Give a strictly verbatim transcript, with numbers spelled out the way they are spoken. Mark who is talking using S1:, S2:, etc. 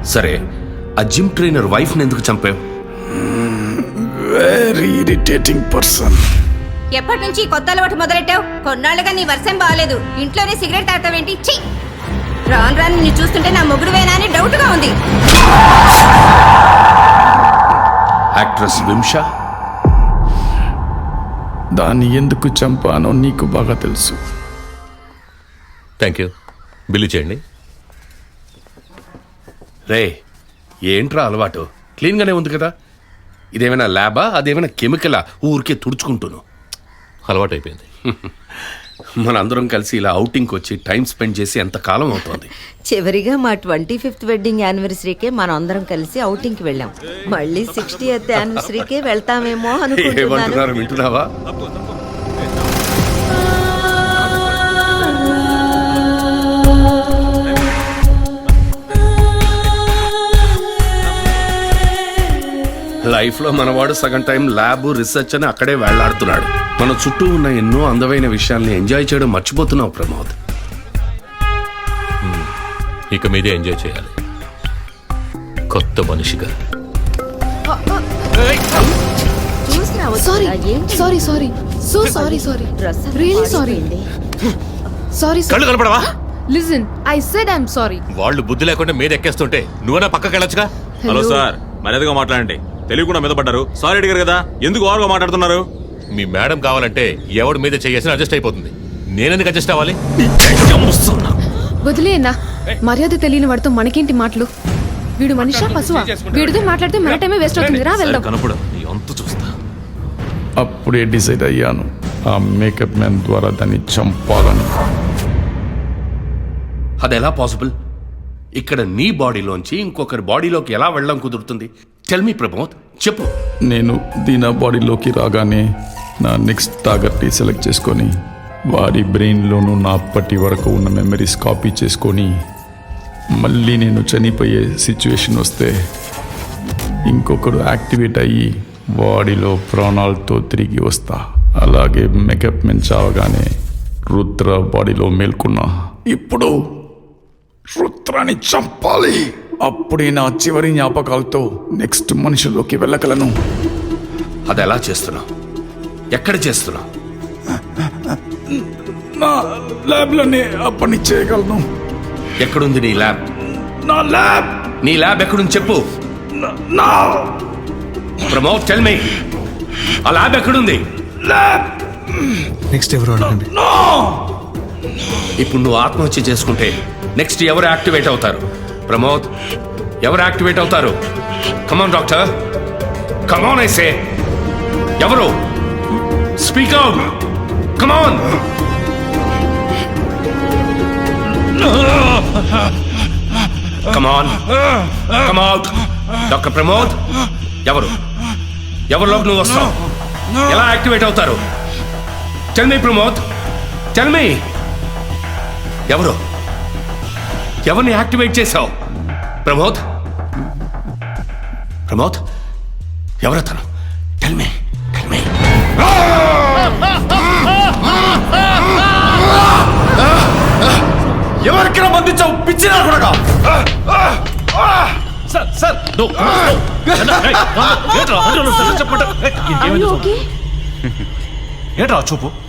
S1: సరే, ఆ gym trainer వైఫ్ని ఎందుకు చంపావు?
S2: Very irritating person.
S3: ఎప్పటి నుంచి కొత్త అలవాటు మొదలెట్టావు? కొన్నాళ్ళుగా నీ వర్షం బాగాలేదు, ఇంట్లోనే సిగరెట్ తాగుతావేంటి? ఛీ! రాను రాను నిన్ను చూస్తుంటే నా మొగుడువేనా అని డౌట్ గా ఉంది.
S1: యాక్ట్రెస్ వింషా,
S2: దాన్ని ఎందుకు చంపానో నీకు బాగా తెలుసు.
S4: Thank you. బిల్లు చేయండి.
S1: రే, ఏంట్రా అలవాటు? క్లీన్గానే ఉంది కదా. ఇదేమైనా ల్యాబా, అదేమైనా కెమికలా? ఊరికే తుడుచుకుంటును.
S4: అలవాటు అయిపోయింది.
S1: మనందరం కలిసి ఇలా అవుటింగ్కి వచ్చి టైం స్పెండ్ చేసి ఎంత కాలం అవుతుంది.
S5: చివరిగా మా ట్వంటీ ఫిఫ్త్ వెడ్డింగ్ యానివర్సరీకే మనం అందరం కలిసి అవుటింగ్కి వెళ్ళాం. మళ్ళీ సిక్స్టీ ఎయిత్ యానివర్సరీకే వెళ్తామేమో అనుకుంటున్నాను.
S1: ఏమంటున్నారు, వింటున్నావా? లైఫ్లో మనవాడు సగం టైం ల్యాబ్, రీసెర్చ్ అని అక్కడే వెళ్లాడుతున్నాడు. మన చుట్టూ ఉన్న ఎన్నో అందమైన విషయాల్ని ఎంజాయ్ చేయడం మర్చిపోతున్నావు ప్రమోద్.
S4: ఇక మీదే ఎంజాయ్ చేయాలి, కొత్త మనిషిగా.
S6: Sorry sorry sorry so sorry sorry really sorry sorry
S4: కళ్ళు కనపడవా?
S6: Listen, I said I am sorry.
S4: వాళ్ళు బుద్ధి లేకుండా మీద ఎక్కేస్తుంటే నువ్వన్నా పక్కకి వెళ్ళొచ్చుగా.
S7: హలో సార్, మర్యాదగా మాట్లాడండి. తెలియకుండా మీద పడ్డారు. సారీ అడిగారు కదా, ఎందుకు ఓవర్గా మాట్లాడుతున్నారు?
S4: మీ మేడం కావాలంటే ఎవడి మీద చేసిన అడ్జస్ట్ అయిపోతుంది. నేనెందుకు అడ్జస్ట్ అవ్వాలి?
S6: వదిలేనా, మర్యాద తెలియని వాడితో మనకేంటి మాటలు? వీడు మనిషా పశువా? వీడితో మాట్లాడితే మన టైమే వేస్ట్ అవుతుంది. రా వెళ్దాం.
S4: కనపడ నీ అంతు చూస్తా.
S2: అప్పుడే డిసైడ్ అయ్యాను, ఆ మేకప్ మ్యాన్ ద్వారా దాన్ని చంపాలని.
S1: అదెలా పాసిబుల్? ఇక్కడ నీ బాడీలోంచి ఇంకొకరి బాడీలోకి ఎలా వెళ్ళడం కుదురుతుంది? టెల్ మీ ప్రమోద్, చెప్పు.
S2: నేను దీనా బాడీలోకి రాగానే నా నెక్స్ట్ టార్గెట్ని సెలెక్ట్ చేసుకొని వాడి బ్రెయిన్లోనూ నా అప్పటి వరకు ఉన్న మెమరీస్ కాపీ చేసుకొని మళ్ళీ నేను చనిపోయే సిచ్యువేషన్ వస్తే ఇంకొకడు యాక్టివేట్ అయ్యి బాడీలో ప్రాణాలతో తిరిగి వస్తా. అలాగే మేకప్ మెన్ చావగానే రుద్ర బాడీలో మేల్కొన్నా. ఇప్పుడు రుద్రాన్ని చంపాలి. అప్పుడే నా చివరి జ్ఞాపకాలతో నెక్స్ట్ మనుషుల్లోకి వెళ్ళగలను.
S1: అది ఎలా చేస్తున్నావు? ఎక్కడ చేస్తున్నావు?
S2: నా ల్యాబ్లోనే ఆ పని చేయగలను.
S1: ఎక్కడుంది నీ ల్యాబ్?
S2: నా ల్యాబ్
S1: నీ ల్యాబ్ ఎక్కడుంది చెప్పు.
S2: నా
S1: ప్రమోద్, టెల్ మీ, ఆ ల్యాబ్ ఎక్కడుంది?
S2: ల్యాబ్
S8: నెక్స్ట్ ఎవరు అడగండి.
S1: ఇప్పుడు నువ్వు ఆత్మహత్య చేసుకుంటే నెక్స్ట్ ఎవరు యాక్టివేట్ అవుతారు? ప్రమోద్, ఎవరు యాక్టివేట్ అవుతారు? Come on doctor, come on I say. ఎవరు? Speak out, come on. Come on, come out. Doctor Pramod, ఎవరు? ఎవరిలోకి నువ్వు వస్తావు? ఎలా యాక్టివేట్ అవుతారు? Tell me Pramod, tell me. ఎవరు? ఎవరిని యాక్టివేట్ చేశావు? ప్రమోద్, ప్రమోద్, ఎవరతను? Tell me, tell me. ఎవరికి బంధించావు? పిచ్చినా కూడా.
S4: సార్ సార్
S6: ఓకే
S4: ఏంట్రా చూపు?